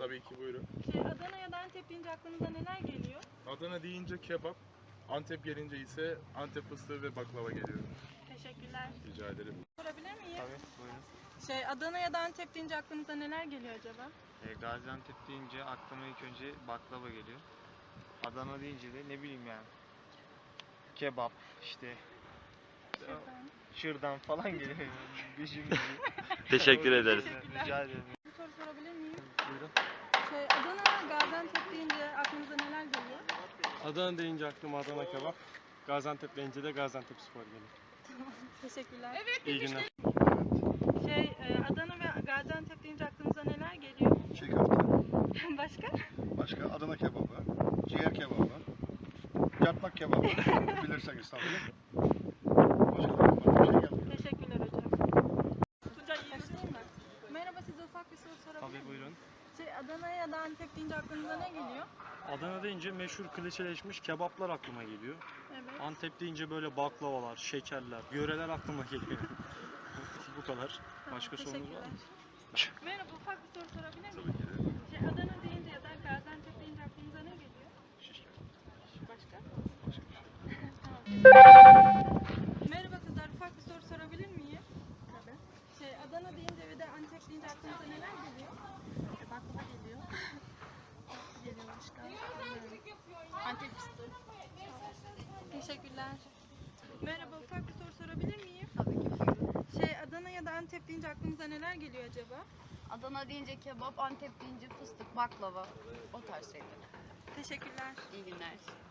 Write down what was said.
Tabii ki, buyurun. Adana ya da Antep deyince aklınıza neler geliyor? Adana deyince kebap, Antep gelince ise Antep fıstığı ve baklava geliyor. Teşekkürler. Rica ederim. Sorabilir miyim? Tabii, buyurun. Adana ya da Antep deyince aklınıza neler geliyor acaba? Gaziantep deyince aklıma ilk önce baklava geliyor. Adana deyince de ne bileyim yani. Kebap, işte şırdan falan geliyor. Teşekkür ederiz. Rica ederim. Bir soru sorabilir miyim? Buyurun. Adana, Gaziantep deyince aklınıza neler geliyor? Adana deyince aklıma Adana kebap, Gaziantep deyince de Gaziantep spor geliyor. Teşekkürler. İyi günler. Adana ve Gaziantep deyince aklınıza neler geliyor? Çiğ köfte, Başka? başka Adana kebabı, ciğer kebabı, yatmak kebabı, bilirseniz tabii. Başka da bir şey gelmiyor. Teşekkürler hocam. Başlayayım mı? Merhaba, size ufak bir soru sorabilir miyim? Tabii buyurun. Adana ya da Antep deyince aklınıza ne geliyor? Adana deyince meşhur klişeleşmiş kebaplar aklıma geliyor. Evet. Antep deyince böyle baklavalar, şekerler, yöreler aklıma geliyor. Bu kadar. Başka sorunuz var mı? Merhaba, ufak bir soru sorabilir miyim? Tabii ki de. Adana deyince ya da Gaziantep deyince aklınıza ne geliyor? Şiş kebap. Başka? Başka bir şey. Tamam. Merhaba kızlar, ufak bir soru sorabilir miyim? Tabii. Adana deyince ve de Antep deyince aklınıza neler geliyor? Baklava geliyor. Geliyor başka. Antep fıstığı. Teşekkürler. Merhaba, ufak bir soru sorabilir miyim? Tabii ki buyurun. Adana ya da Antep deyince aklınıza neler geliyor acaba? Adana deyince kebap, Antep deyince fıstık, baklava, o tarz şeyler. Teşekkürler. İyi günler.